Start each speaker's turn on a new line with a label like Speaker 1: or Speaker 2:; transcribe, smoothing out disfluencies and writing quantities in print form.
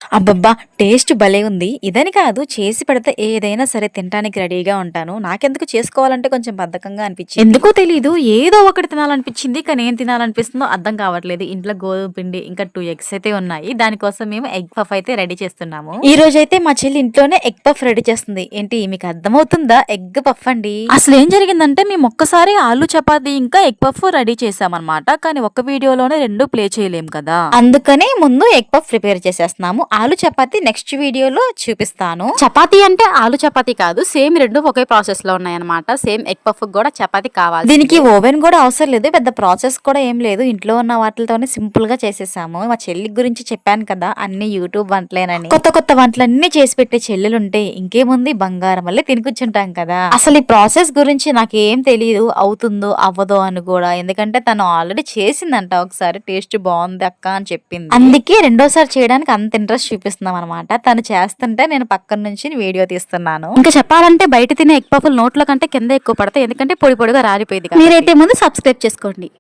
Speaker 1: అబ్బబ్బా! టేస్ట్ భలే ఉంది. ఇదని కాదు చేసి పెడితే ఏదైనా సరే తినటానికి రెడీగా ఉంటాను. నాకెందుకు చేసుకోవాలంటే కొంచెం బద్ధకంగా అనిపిచ్చింది. ఎందుకో తెలీదు. ఏదో ఒకటి తినాలనిపిచ్చింది. కానీ ఏం తినాలనిపిస్తుందో అర్థం కావట్లేదు. ఇంట్లో గోధుమ పిండి ఇంకా 2 ఎగ్స్ అయితే ఉన్నాయి. దానికోసం మేము ఎగ్ పఫ్ అయితే రెడీ చేస్తున్నాము. ఈ రోజైతే మా చెల్లి ఇంట్లోనే ఎగ్ పఫ్ రెడీ చేస్తుంది. ఏంటి మీకు అర్థమవుతుందా? ఎగ్ పఫ్ అండి. అసలేం జరిగిందంటే మేము ఒక్కసారి ఆలు చపాతీ ఇంకా ఎగ్ పఫ్ రెడీ చేసామన్నమాట. కానీ ఒక్క వీడియోలోనే 2 ప్లే చేయలేం కదా! అందుకని ముందు ఎగ్ పఫ్ ప్రిపేర్ చేసేస్తున్నాము. ఆలు చపాతీ నెక్స్ట్ వీడియోలో చూపిస్తాను. చపాతీ అంటే ఆలు చపాతీ కాదు. సేమ్ 2 ఒకే ప్రాసెస్ లో ఉన్నాయన్నమాట. సేమ్ ఎగ్ పఫ్ కూడా చపాతీ కావాలి. దీనికి ఓవెన్ కూడా అవసరం లేదు. పెద్ద ప్రాసెస్ కూడా ఏం లేదు. ఇంట్లో ఉన్న వాటితోనే సింపుల్ గా చేసేసాము. మా చెల్లి గురించి చెప్పాను కదా, అన్ని యూట్యూబ్ వంటలేనని. కొత్త కొత్త వంటలన్నీ చేసి పెట్టే చెల్లెలుంటే ఇంకేముంది, బంగారం వల్లే తిని కూర్చుంటాం కదా. అసలు ఈ ప్రాసెస్ గురించి నాకు ఏం తెలియదు, అవుతుందో అవ్వదో అని కూడా. ఎందుకంటే తను ఆల్రెడీ చేసిందంట ఒకసారి, టేస్ట్ బాగుంది అక్క అని చెప్పింది. అందుకే రెండోసారి చేయడానికి అంత ఇంట్రెస్ట్ చూపిస్తున్నాం అనమాట. తను చేస్తుంటే నేను పక్కన నుంచి వీడియో తీస్తున్నాను. ఇంకా చెప్పాలంటే బయట తినే ఎగ్ పఫ్లు నోట్లో కంటే కింద ఎక్కువ పడతాయి. ఎందుకంటే పొడి పొడిగా రాలిపోయింది. మీరైతే ముందు సబ్స్క్రైబ్ చేసుకోండి.